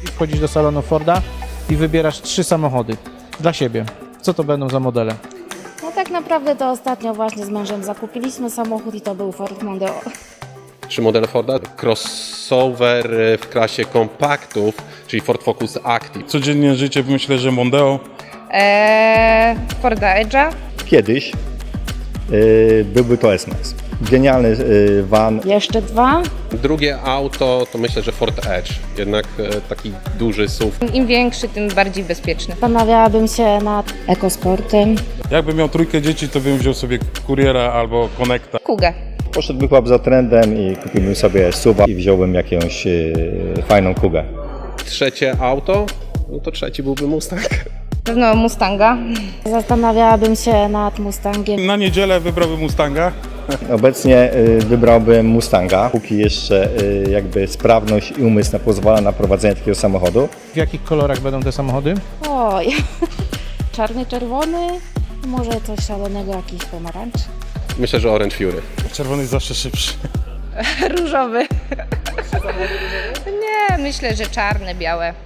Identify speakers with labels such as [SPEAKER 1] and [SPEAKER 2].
[SPEAKER 1] Wchodzisz do salonu Forda i wybierasz 3 samochody dla siebie. Co to będą za modele?
[SPEAKER 2] No tak naprawdę to ostatnio właśnie z mężem zakupiliśmy samochód i to był Ford Mondeo.
[SPEAKER 3] 3 modele Forda. Crossover w klasie kompaktów, czyli Ford Focus Active.
[SPEAKER 4] Codziennie życie myślę, że Mondeo.
[SPEAKER 5] Forda Edge'a.
[SPEAKER 6] Kiedyś byłby to S-Max. Genialny van.
[SPEAKER 2] Jeszcze 2.
[SPEAKER 3] Drugie auto to myślę, że Ford Edge. Jednak taki duży SUV.
[SPEAKER 5] Im większy, tym bardziej bezpieczny.
[SPEAKER 2] Zastanawiałabym się nad ekosportem.
[SPEAKER 4] Jakbym miał 3 dzieci, to bym wziął sobie Kuriera albo Connecta.
[SPEAKER 5] Kugę.
[SPEAKER 6] Poszedłbym chyba za trendem i kupiłbym sobie SUV-a i wziąłbym jakąś fajną Kugę.
[SPEAKER 3] Trzecie auto, no to trzeci byłby Mustang.
[SPEAKER 5] Pewno Mustanga.
[SPEAKER 2] Zastanawiałabym się nad Mustangiem.
[SPEAKER 4] Na niedzielę wybrałbym Mustanga.
[SPEAKER 6] Obecnie wybrałbym Mustanga, póki jeszcze jakby sprawność i umysł pozwala na prowadzenie takiego samochodu.
[SPEAKER 1] W jakich kolorach będą te samochody?
[SPEAKER 2] Oj, czarny, czerwony, może coś szalonego, jakiś pomarańcz.
[SPEAKER 3] Myślę, że Orange Fury.
[SPEAKER 4] Czerwony jest zawsze szybszy.
[SPEAKER 5] Różowy. Nie, myślę, że czarne, białe.